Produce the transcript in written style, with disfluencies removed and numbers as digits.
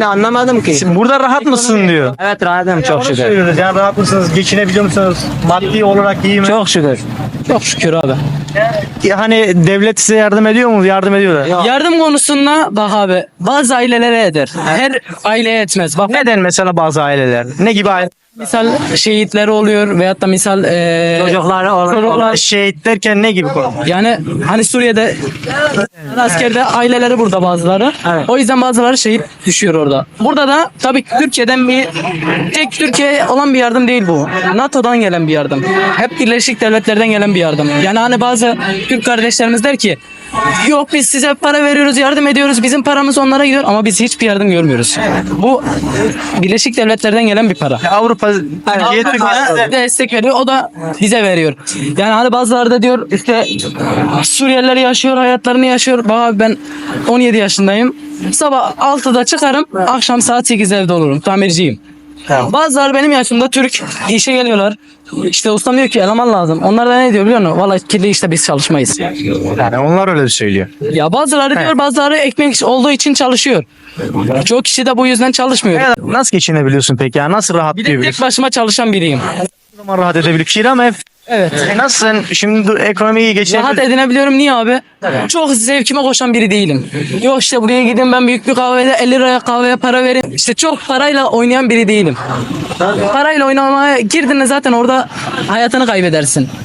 şimdi anlamadım ki. Şimdi burada rahat mısın diyor. Evet rahatım çok Onu şükür. söylüyoruz. Yani rahat mısınız? Geçinebiliyor musunuz? Maddi olarak iyi mi? Çok şükür. Çok şükür abi. Hani devlet size yardım ediyor mu? Yardım ediyorlar. Yardım konusunda bak abi bazı ailelere eder. Her aileye etmez. Bak Neden mesela bazı aileler? Ne gibi aile? misal şehitleri oluyor veyahut da misal Çocukları olur. çocuklar Şehit derken ne gibi konu? yani hani Suriye'de askerde aileleri burada bazıları. Evet. O yüzden bazıları şehit düşüyor orada. Burada da tabii Türkiye'den tek Türkiye olan bir yardım değil bu. NATO'dan gelen bir yardım. Hep Birleşik Devletler'den gelen bir yardım. Yani hani bazı Türk kardeşlerimiz der ki yok biz size para veriyoruz, yardım ediyoruz. Bizim paramız onlara gidiyor ama biz hiçbir yardım görmüyoruz. Bu Birleşik Devletler'den gelen bir para. Türkiye Türkiye Destek veriyor. O da bize veriyor. Yani hani bazıları da diyor işte Suriyeliler yaşıyor, hayatlarını yaşıyor. Bak abi ben 17 yaşındayım. Sabah 6'da çıkarım, akşam saat 8'de evde olurum. Tamirciyim. Bazıları benim yaşımda Türk işe geliyorlar. İşte ustam diyor ki eleman lazım. Onlar da ne diyor biliyor musun? Vallahi kirli işte biz çalışmayız. yani onlar öyle söylüyor. Ya bazıları diyor bazıları ekmek olduğu için çalışıyor. Çok kişi de bu yüzden çalışmıyor. Nasıl geçinebiliyorsun peki ya? Nasıl rahat Bir de tek diyebiliyorsun? başıma çalışan biriyim. O zaman rahat edebiliyor. Kira mı ev? Evet. Nasıl sen şimdi ekonomiyi Rahat geçinebiliyorsun? edinebiliyorum. Niye abi? Çok zevkime koşan biri değilim. Yok işte buraya gideyim ben büyük bir kahvede 50 liraya kahveye para vereyim. İşte çok parayla oynayan biri değilim. Parayla oynamaya girdiğinde zaten orada hayatını kaybedersin.